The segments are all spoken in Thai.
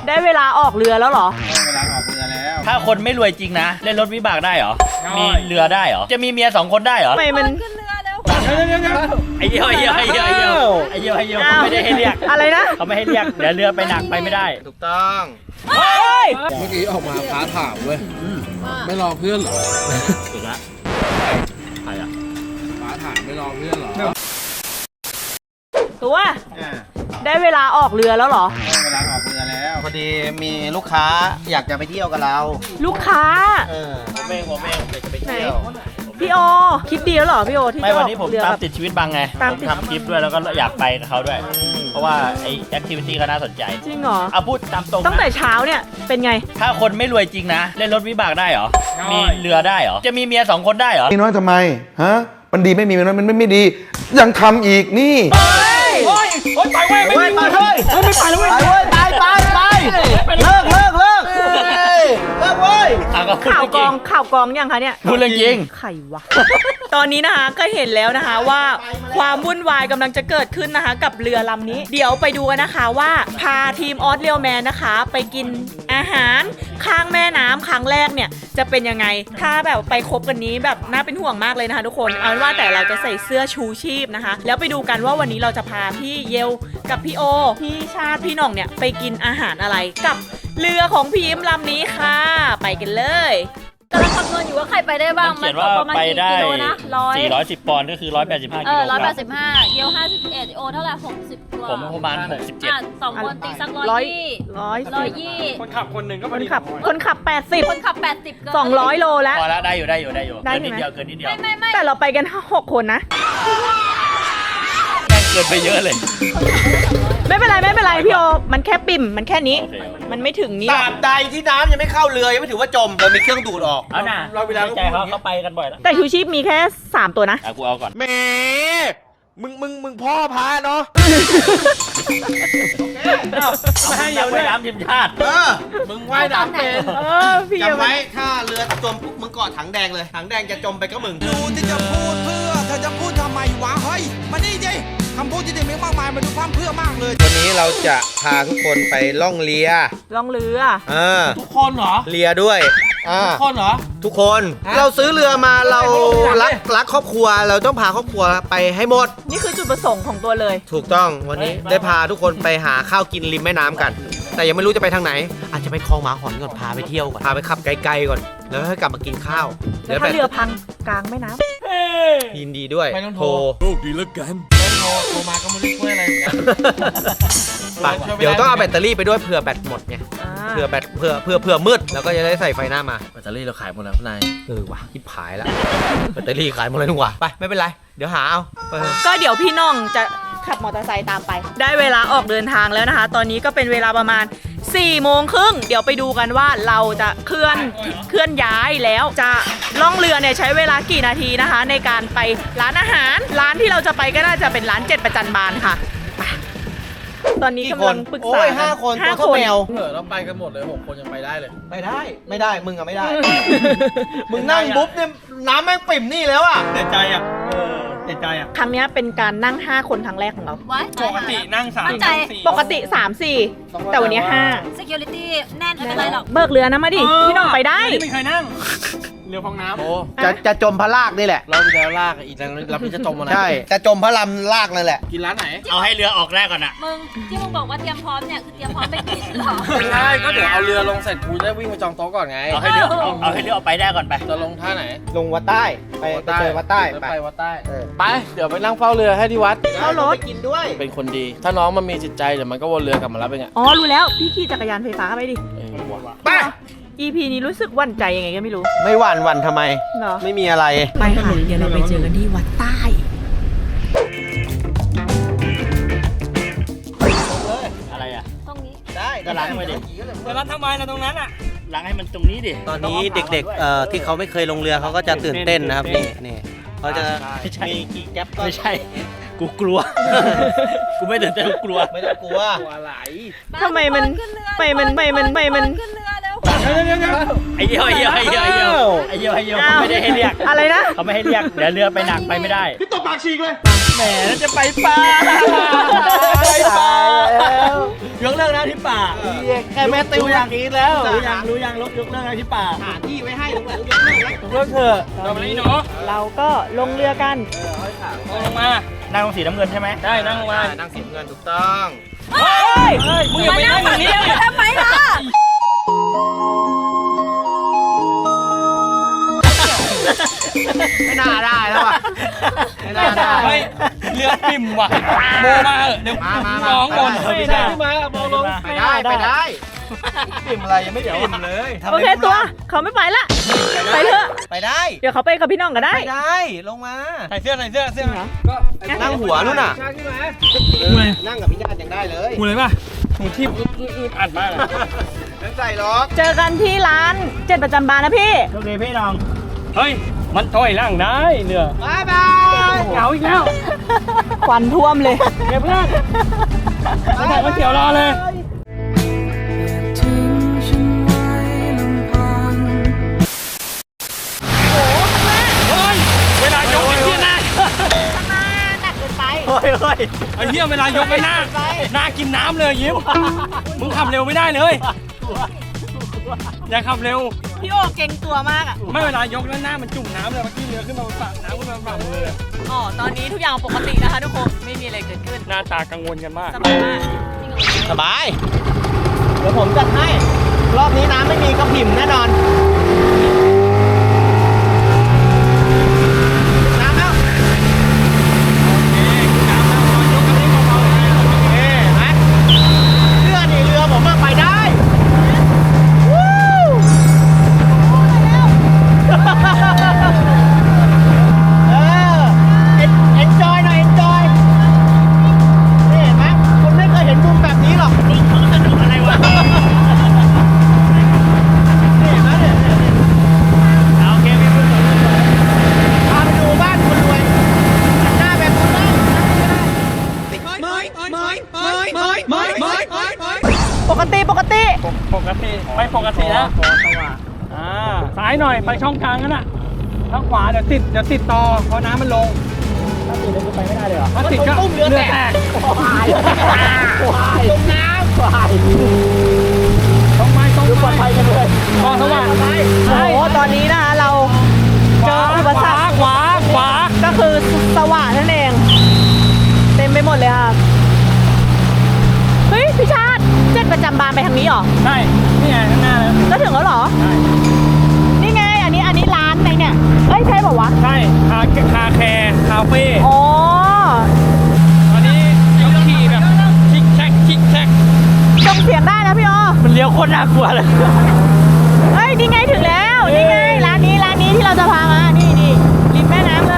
ได้เวลาออกเรือแล้วเหรอได้เวลาออกเรือแล้วถ้าคนไม่รวยจริงนะเล่นรถวิบากได้เหรอมีเรือได้เหรอจะมีเมีย2 คนได้เหรอทำไมมันขึ้นเรือเร็วไอ้เหี้ยเขาไม่ได้ให้เรียกอะไรนะเขาไม่ให้เรียกเดี๋ยวเรือไปหนักไปไม่ได้ถูกต้องเฮ้ยเมื่อกี้ออกมาฟ้าถามเว้ยไม่รอเพื่อนเหรอถูกละใครอ่ะฟ้าถามไม่รอเพื่อนเหรอตัวได้เวลาออกเรือแล้วเหรอได้เวลาออกเรือแล้วพอดีมีลูกค้าอยากจะไปเที่ยวกับเราลูกค้าผมเองจะไปเที่ยวพี่โอคิดดีแล้วเหรอพี่โอที่ไม่วันนี้ผมตามติดชีวิตบางไงผมทำคลิปด้วยแล้วก็อยากไปกับเขาด้วยเพราะว่าไอ้แอคทิวิตี้ก็น่าสนใจจริงเหรอเอาพูดตามตรงตั้งแต่เช้าเนี่ยเป็นไงถ้าคนไม่รวยจริงนะเล่นรถวิบากได้เหรอมีเรือได้เหรอจะมีเมีย2 คนได้เหรอมีน้อยทำไมฮะมันดีไม่มีมันไม่ดียังทำอีกนี่ไปเว้ยไม่ไปเลยไม่ไปเลยไปเลิกเว้ยข่าวกองยังคะเนี่ยพูดเรื่องจริงใครวะ ตอนนี้นะคะก็เห็นแล้วนะคะว่าความวุ่นวายกำลังจะเกิดขึ้นนะคะกับเรือลำนี้เดี๋ยวไปดูกันนะคะว่าพาทีมออสเรียลแมนนะคะไปกินอาหารข้างแม่น้ำครั้งแรกเนี่ยจะเป็นยังไงถ้าแบบไปคบกันนี้แบบน่าเป็นห่วงมากเลยนะคะทุกคนเอาเป็นว่าแต่เราจะใส่เสื้อชูชีพนะคะแล้วไปดูกันว่าวันนี้เราจะพาพี่เยลกับพี่โอพี่ชาติพี่หน่องเนี่ยไปกินอาหารอะไรกับเรือของพี่ยิ้มลำนี้ค่ะไปกันเลยกำลังคำนวณอยู่ว่าใครไปได้บ้างมันเขียนว่าไปได้410 ปอนด์ก็คือ185 กิโลกรัม 185เยล51โอเท่าไหร่60กว่าผมประมาณ67 2 คนตีสัก120 คนขับคนหนึ่งก็คนขับ80คนขับ80 200 โลแล้วพอแล้วได้อยู่เกินนิดเดียวไม่แต่เราไปกัน6 คนนะเกินไปเยอะเลยไม่เป็นไรพี่โอมันแค่ปิ่มมันแค่นี้มันไม่ถึงนี้ตราบใดที่น้ำยังไม่เข้าเรือยังไม่ถือว่าจมเรามีเครื่องดูดออกเอาน่ะเราเวลาใจเขาไปกันบ่อยแล้วแต่ชูชีพมีแค่3 ตัวนะกูเอาก่อนแหมมึงพ่อพาเนาะไม่ให้เยอะด้วยน้ำทีมชาติมึงว่ายน้ำเป็นพี่จำไว้ถ้าเรือจมมึงกอดถังแดงเลยถังแดงจะจมไปก็มึงดูที่จะพูดเพื่อเธอจะพูดทำไมวะเฮ้ยมานี่ดิคำพูดที่มีมากมายมาดูความเพื่อมากเลยวันนี้เราจะพาทุกคนไปล่องเรือทุกคนเหรอเรือด้วยทุกคนเหรอทุกคนเราซื้อเรือมาเรารักครอบครัวเราต้องพาครอบครัวไปให้หมดนี่คือจุดประสงค์ของตัวเลยถูกต้องวันนี้ได้พาทุกคนไปหาข้าวกินริมแม่น้ำกันแต่ยังไม่รู้จะไปทางไหนอาจจะไปคลองหมาหอนก่อนพาไปเที่ยวก่อนพาไปขับไกลๆก่อนแล้วให้กลับมากินข้าวแล้วถ้าเรือพังกลางแม่น้ำยินดีด้วยโทรโชคดีแล้วกันโทรมาก็ไม่ได้ช่วยอะไรเหมือนกันเดี๋ยวต้องเอาแบตเตอรี่ไปด้วยเผื่อแบตหมดไงเผื่อแบตเผื่อมืดแล้วก็จะได้ใส่ไฟหน้ามาแบตเตอรี่เราขายหมดแล้วนายว่ะคิดผายแล้วแบตเตอรี่ขายหมดเลยทุกว่ะไปไม่เป็นไรเดี๋ยวหาเอาก็เดี๋ยวพี่น้องจะขับมอเตอร์ไซค์ตามไปได้เวลาออกเดินทางแล้วนะคะตอนนี้ก็เป็นเวลาประมาณ4:30เดี๋ยวไปดูกันว่าเราจะเคลื่อนย้ายแล้วจะล่องเรือเนี่ยใช้เวลากี่นาทีนะคะในการไปร้านอาหารร้านที่เราจะไปก็น่าจะเป็นร้าน7ประจันบานค่ะตอนนี้กำลังปรึกษา 5 คนตัวแมวเราไปกันหมดเลย6 คนยังไปได้เลยไม่ได้มึงอะไม่ได้มึงนั่งบุ๊บเนี่ยน้ำแม่งปิ่มนี่แล้วอะเด็ดใจอะครั้งนี้เป็นการนั่ง5 คนครั้งแรกของเราปกตินั่ง 3 ปกติ3-4แต่วันนี้5 security แน่นไม่เป็นไรหรอกเบิกเรือนะมาดิพี่น้องไปได้ไม่เคยนั่งเรือฟองน้ำจะจมพระลากนี่แหละเราจะลากอีกแล้วเราจะจมอะไรใช่จะจมพระลำลากนั่นแหละกินร้านไหนเอาให้เรือออกแรกก่อนอะมึงที่มึงบอกว่าเตรียมพร้อมเนี่ยคือเตรียมพร้อมไปกินหรอไม่ใช่ก็เดี๋ยวเอาเรือลงเสร็จกูได้วิ่งไปจองโต๊ะก่อนไงเอาให้เรือออกไปได้ก่อนไปจะลงท่าไหนลงวัดใต้ไปเจอวัดใต้ไปวัดใต้ไปเดี๋ยวไปนั่งเฝ้าเรือให้ที่วัดเอารถไปกินด้วยเป็นคนดีถ้าน้องมันมีจิตใจเดี๋ยวมันก็วนเรือกลับมารับเองอ๋อรู้แล้วพี่ขี่จักรยานไฟฟ้าไปดิไป EP นี้รู้สึกหวั่นใจยังไงก็ไม่รู้ไม่หวั่นทำไมไม่มีอะไรไปค่ะเดี๋ยวเราไปเจอกันที่วัดใต้อะไรอ่ะตรงนี้ได้ก็ล้างไปดิแต่ล้างทำไมนะตรงนั้นอ่ะล้างให้มันตรงนี้ดิตอนนี้เด็กๆที่เขาไม่เคยลงเรือเขาก็จะตื่นเต้นนะครับนี่เขาจะมีกี่แก๊ปก็ไม่ใช่กูกลัวกูไม่ตื่นเต้นกูกลัวไม่ต้องกลัวอะไรทำไมมันขึ้นเรือเร็วไอ้เหี้ยไม่ได้ให้เรียกอะไรนะเขาไม่ให้เรียกเดี๋ยวเรือไปหนักไปไม่ได้พี่ตบปากฉีกเลยแหมจะไปปลาพี่ยกเลิกนะที่ป่าแค่แม่ติวอย่างนี้แล้วรู้ยังยกเลิกนะที่ป่าหาที่ไว้ให้แล้วยกเลิกแล้วยกเลิกเถอะเราไปนี่เนาะเราก็ลงเรือกันลงมานั่งตรงสีน้ำเงินใช่ไหมได้นั่งลงมานั่งเสียเงินถูกต้องเฮ้ยมึงอย่าไปนั่งอย่างนี้ทำไมล่ะไม่น่าได้แล้วอ่ะไม่น่าได้เฮ้ยเรือปิ่มว่ะโบมาเหอะเดี๋ยวมาร้องบนไม่ได้ขึ้นมาโบลงไปได้ปิ่มอะไรยังไม่ปิ่มเลยโอเคตัวเขาไม่ไปละ ไปเถอะไปได้เดี๋ยวเขาไปกับพี่น้องก็ได้ไปได้ลงมาใส่เสื้อก็นั่งหัวนู่นน่ะกูเลยนั่งกับพี่ญาติยังได้เลยกูเลยป่ะหูที่อัดมากนั่งใส่ล็อกเจอกันที่ร้านเจ็ดประจำบานนะพี่โชคดีพี่น้องเฮ้ยมันถอยร่างได้เรือบ๊ายบายเหงาอีกแล้วควันท่วมเลยเก็บเพื่อนไม่ถ่ายก๋วยเตี๋ยวรอเลยเฮ้ยเวลายกไอ้เหี้ยหน้าเฮ้ยไอ้เหี้ยเวลายกไปหน้ากินน้ำเลยยิ้มมึงขับเร็วไม่ได้เลย อย่าขับเร็วพี่โอเก่งตัวมากอ่ะไม่เวลายกแล้วหน้ามันจุ่มน้ำเลยเมื่อกี้เรือขึ้นมาบนฝั่งน้ำขึ้นมาบนฝั่งมือเลยอ๋อ ตอนนี้ทุกอย่างปกตินะคะทุกคน ไม่มีอะไรเกิดขึ้นหน้าตากังวลกันมากสบายมากสบาย เดี๋ยวผมจัดให้ รอบนี้น้ำไม่มีกระผิ่มแน่นอน น้ำแล้วโอเคไหมเรือนี่เรือผมมาไปได้วู้enjoy หน่อย enjoy นี่เห็นไหมคุณไม่เคยเห็นมุมแบบนี้หรอกนี่เขาสนุกอะไรวะ นี่เห็นไหมเนี่ยโอเคพี่พูดพาไปดูบ้านคนรวยหน้าแบบคนบ้านปกติปกติไม่ปกติแล้วซ้ายหน่อยไปช่องกลางนั่นน่ะทางขวาเดี๋ยวติดต่อเพราะน้ำมันลงถ้าติดเลยไปไม่ได้เลยเหรอถ้าติดก็เรือแตกตรงน้ำต้องไม้ปลอดภัยกันเลยมองสว่างโอ้โห ตอนนี้นะคะเราเจออุปสรรคขวาก็คือสว่านนั่นเอง เต็มไปหมดเลยค่ะ เฮ้ย พี่ชาติเจ็ดประจำบานไปทางนี้เหรอใช่นี่ไงข้างหน้าแล้วก็ถึงแล้วเหรอ นี่ไง อันนี้ร้านไหนเนี่ย เอ้ย ใช่บอกวะใช่คาแคร์คาเฟ่อ๋อตอนนี้ยกขี่แบบชิกแชกจงเสียงได้นะพี่อ๋อมันเลี้ยวโคตรน่ากลัวเลยเฮ้ย นี่ไงถึงแล้ว นี่ไง ร้านนี้ที่เราจะพามา นี่ริมแม่น้ำเลย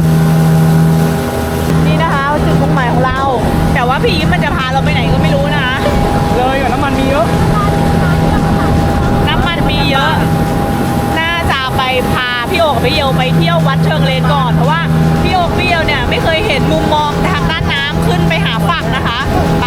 นี่นะคะจุดมุ่งหมายของเรา แต่ว่าพี่ยิ้มมันจะพาเราไปไหนก็ไม่รู้นะคะเลยกับน้ำมันมีเยอะน้ำมันมีเยอะ น่าจะไปพาพี่โอกับพี่เยลไปเที่ยววัดเชิงเลนก่อน เพราะว่าพี่โอกับพี่เยลเนี่ยไม่เคยเห็นมุมมองทางด้านน้ำขึ้นไปหาฝั่งนะคะไป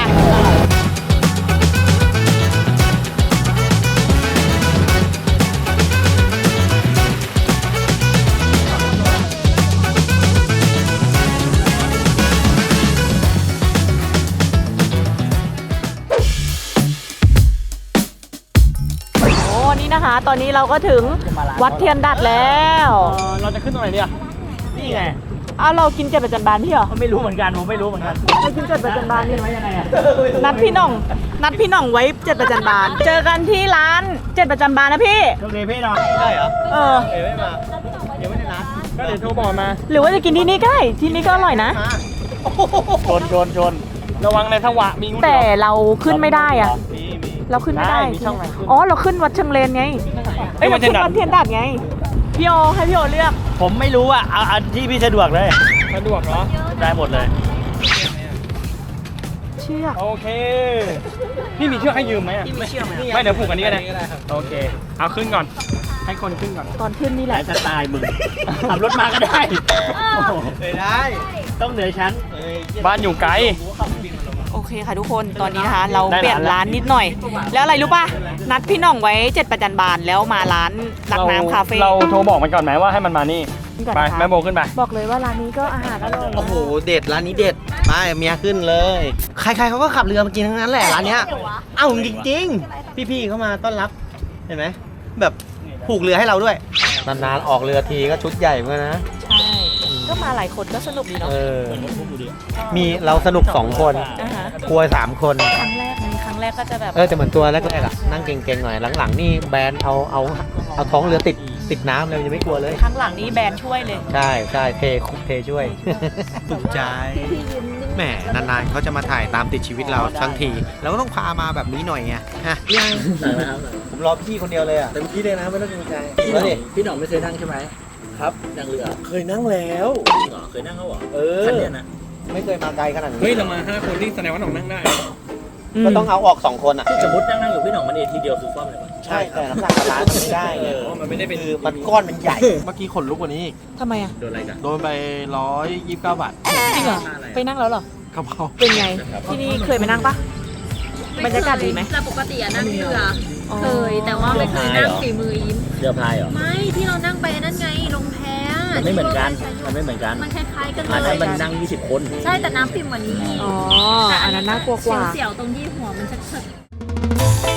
นี่นะคะ ตอนนี้เราก็ถึงวัดเทียนดัดแล้วเราจะขึ้นตรงไหนดีอ่ะนี่ไงอ้าวเรากินเจ็ดประจันบานพี่เหรอไม่รู้เหมือนกันผมไม่รู้เหมือนกันไปกินเจ็ดประจันบานนี่ไว้ยังไงอ่ะนัดพี่หน่องไว้เจ็ดประจันบาน เจอกันที่ร้านเจ็ดประจันบานนะพี่โชคดีพี่น้องได้เหรอเออไม่มาเดี๋ยวไม่ได้นัดก็เดี๋ยวโทรบอกมาหรือว่าจะกินที่นี่ก็ได้ที่นี่ก็อร่อยนะชนระวังในทวะมีงูแต่เราขึ้นไม่ได้อะมีเราขึ้นไม่ได้มีช่องไหนขึ้นอ๋อเราขึ้นวัดเชิงเลนไงเอ้ยเราขึ้นวัดเทียนดัดไงพี่โอให้พี่โอเลือกผมไม่รู้อ่ะเอาอันที่พี่สะดวกเลยสะดวกเหรอได้หมดเลยเชือกโอเคพี่มีเชือกให้ยืมไหมอ่ะไม่เชือกไม่เดี๋ยวผูกอันนี้ก็ได้โอเคเอาขึ้นก่อนให้คนขึ้นก่อนตอนขึ้นนี่แหละจะตายมึงขับรถมาก็ได้ได้ต้องเหนือชั้นบ้านอยู่ไกลโอเคค่ะทุกคนตอนนี้นะคะ เราได้เปลี่ยนร้านนิดหน่อย แล้วอะไรรู้ป่ะนัดพี่หน่องไว้เจ็ดประจันบานแล้วมาร้านรักน้ำคาเฟ่เราโทรบอกมันก่อนไหมว่าให้มันมานี่ไปแม่โบขึ้นไปบอกเลยว่าร้านนี้ก็อาหารอร่อยโอ้โหเด็ดร้านนี้เด็ดไปเมียขึ้นเลย ใครๆเขาก็ขับเรือมากินทั้งนั้นแหละร้านเนี้ยเอ้าจริงๆพี่ๆเขามาต้อนรับเห็นไหมแบบผูกเรือให้เราด้วยนานๆออกเรือทีก็ชุดใหญ่เหมือนกันนะใช่ก็มาหลายคนก็สนุกดีเอเนาะอมีเราสนุก2 คนอ่าฮะกลัว3 คนครั้งแรกก็จะแบบแต่เหมือนตัวแรกๆอะนั่งเก่งๆหน่อยหลังๆนี่แบนเอาท้องเรือติดน้ำเลยยังไม่กลัวเลยครั้งหลังนี้แบรนด์ช่วยเลยใช่เทคุกเทช่วยถูกใจแหมนานๆเขาจะมาถ่ายตามติดชีวิตเราทั้งทีเราก็ต้องพามาแบบนี้หน่อยไงฮะยังผมรอพี่คนเดียวเลยอ่ะเต็มที่เลยนะไม่ต้องเกรงใจแล้วดิพี่หน่องไม่เคยนั่งใช่ไหมครับนั่งเรือเคยนั่งแล้วเหรอเคยนั่งเขาเหรอเออคันเนี้ยนะไม่เคยมาไกลขนาดนี้เฮ้ยเรามา5 คนนี่แสดงว่าหน่องนั่งได้ก็ต้องเอาออก2 คนอ่ะสมมตินั่งอยู่พี่หน่องมันเอทีเดียวคือคว่ำเลยวะใช่แต่น้ำหนักบาลานซ์มันไม่ได้ไงมันไม่ได้เป็นคือมันก้อนมันใหญ่เมื่อกี้ขนลุกกว่านี้อีกทำไมอ่ะโดนอะไรกันโดนไป129 บาทจริงเหรอ ไปนั่งแล้วเหรอกระเพราเป็นไง ที่นี่เคยไปนั่งปะ บรรยากาศดีไหมแต่ปกติอะนั่งเรืออ๋อเคย แต่ว่าไม่เคยนั่งฝีมือยิ้มเรือพายเหรอไม่ที่เรานั่งไปนั่นไงลงแพมันไม่เหมือนกันมันไม่เหมือนกันมันคล้ายๆกันอันเลนั้นยมันนั่ง20 คนใช่แต่น้ำปิ่มกว่านี้อ๋อ อันนั้นน่ากลัวกว่าเสียวๆตรงที่หัวมันชักๆ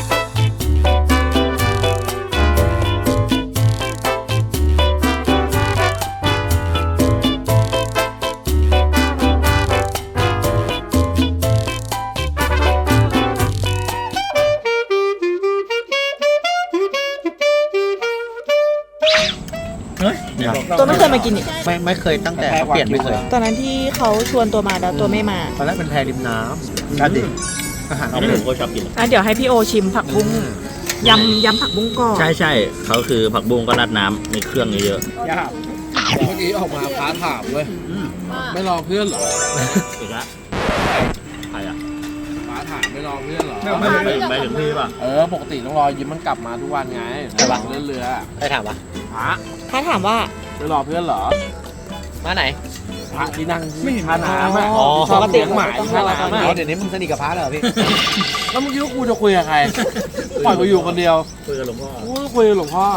เฮ้ยตัวไม่เคยมากินอีกไม่เคยตั้งแต่เขาเปลี่ยนไม่เคยตอนนั้นที่เขาชวนตัวมาแล้วตัวไม่มาตอนแรกเป็นแพริมน้ำนั่นดิอาหารอัเอานนี้เลผยมก็ชอบกินเดี๋ยวให้พี่โอชิมผักบุ้งยำผักบุ้งก่อนใช่ใช่เขาคือผักบุ้งก็ราดน้ำมีเครื่องเยอะยากเมื่อกี้ออกมาฟ้าถามเว้ย ไม่รอเพื่อนเหรอๆอีกละใครอ่ะฟ้าถามไม่รอเพื่อนเหรอไปถึงพี่ป่ะปกติต้องรอยิ้มมันกลับมาทุกวันไงแต่ว่าเรือเรือใครถามวะพระถ้าถามว่าไม่รอเพื่อนเหรอมาไหนพระที่นั่งท่าน้ำอะอ๋อชอบเลี้ยงหมาปกติท่าน้ำอะเดี๋ยวนี้มึงสนิทกับพระแล้วเหรอพี่แล้วเมื่อกี้ว่ากูจะคุยกับใคร ปล่อยกูอยู่คนเดียวคุยกับหลวงพ่อกูก็คุยกับหลวงพ่อ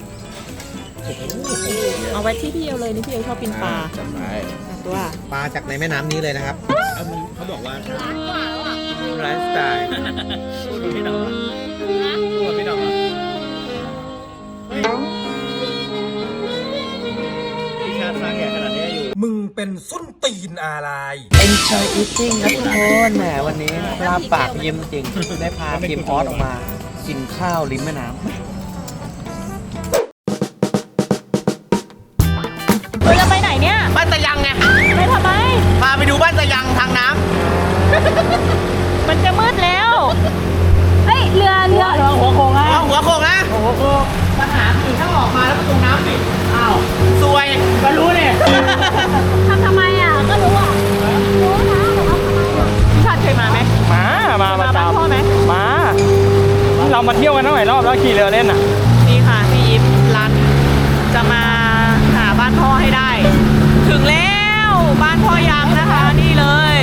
เอาไว้ที่พี่เอวเลยนี่พี่เอวชอบกินปลาจำได้ตัวปลาจากในแม่น้ำนี้เลยนะครับเขาบอกว่าไลฟ์สไตล์พี่หน่องพี่หน่องชาติมาแก่ขนาดนี้อยู่มึงเป็นส้นตีนอะไร Enjoy eating ครับทุกคนแหมวันนี้ลาบปากยิ้มจริง ได้พาทีมออสออกมา กินข้าวริมแม่น้ำเราจะไปไหนเนี่ยบ้านตะยังไงไปทำไมพาไปดูบ้านตะยังทางน้มันจะมืดแล้วเฮ้ย เรือำหัวโขงนะหัวโขงนะหัวโขงปัญหาคือถ้าออกมาแล้วประตูน้ำปิดอ้าวซวยก็รู้เนี่ยทำไมอ่ะ ก็รู้อ่ะ รู้นะแต่ว่าทำไมอ่ะพี่ชาติเคยมาไหมมาประบ้านจำพ่อไหมมาเรามาเที่ยวกันตั้งหลายรอบแล้วขี่เรือเล่นอ่ะนี่ค่ะพี่ยิ้มรันจะมาหาบ้านพ่อให้ได้ ถึงแล้วบ้านพ่อยังนะคะนี่เลย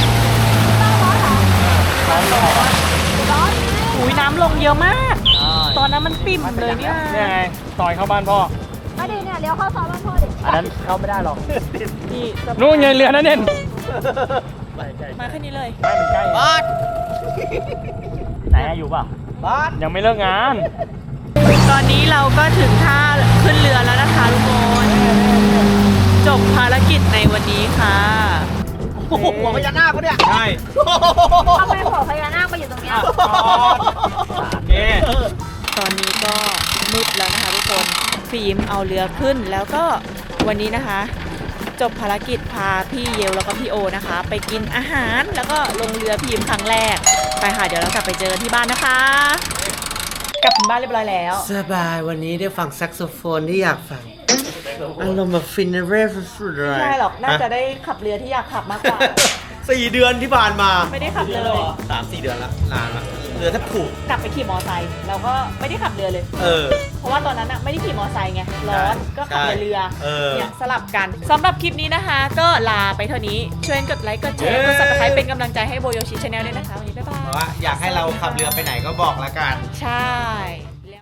อุ้ยน้ำลงเยอะมาก ตอนนั้นมันปิ่มเลยเนี่ยนี่ไงซอยเข้าบ้านพ่อมาดิเนี่ยเลี้ยวเข้าซอยบ้านพ่อดิอันนั้นเข้าไม่ได้หรอกนี่จะนู่นไงเรือนั่นเองมาแค่นี้เลยไม่มันใกล้บอสไหนอยู่ป่ะบอสยังไม่เลิกงานตอนนี้เราก็ถึงท่าขึ้นเรือแล้วนะคะทุกคนจบภารกิจในวันนี้ค่ะโอ้โหหัวพญานาคเขาเนี่ยใช่ทำไมหัวพญานาคไปอยู่ตรงเนี้ยนี่ตอนนี้ก็มืดแล้วนะคะทุกคนฟิล์มเอาเรือขึ้นแล้วก็วันนี้นะคะ จบภารกิจพาพี่เยลแล้วก็พี่โอนะคะ ไปกินอาหารแล้วก็ลงเรือพิมพ์ครั้งแรกไปค่ะเดี๋ยวเรากลับไปเจอที่บ้านนะคะ กลับถึงบ้านเรียบร้อยแล้วสบายวันนี้ได้ฟังแซกโซโฟนที่อยากฟังอารมณ์แบบฟินเรฟสุดเลยใช่หรอกน่าจะได้ขับเรือที่อยากขับมากกว่า 4 เดือนที่ผ่านมาไม่ได้ขับเลย 3-4 เดือนละนานละเรือแทบผูกกลับไปขี่มอไซค์เราก็ไม่ได้ขับเรือเลยเออเพราะว่าตอนนั้นอะไม่ได้ขี่มอไซค์ไงร้อนก็ขับแต่เรือเออเนี่ยสลับกันสำหรับคลิปนี้นะคะ ก็ลาไปเท่านี้ช่วยกดไลค์กดแชร์กด subscribe เป็นกำลังใจให้โบโยชิชาแนลด้วยนะคะวันนี้บ๊ายบาเพราะยว่าอยากให้เราขับเรือไปไหนก็บอกละกันใช่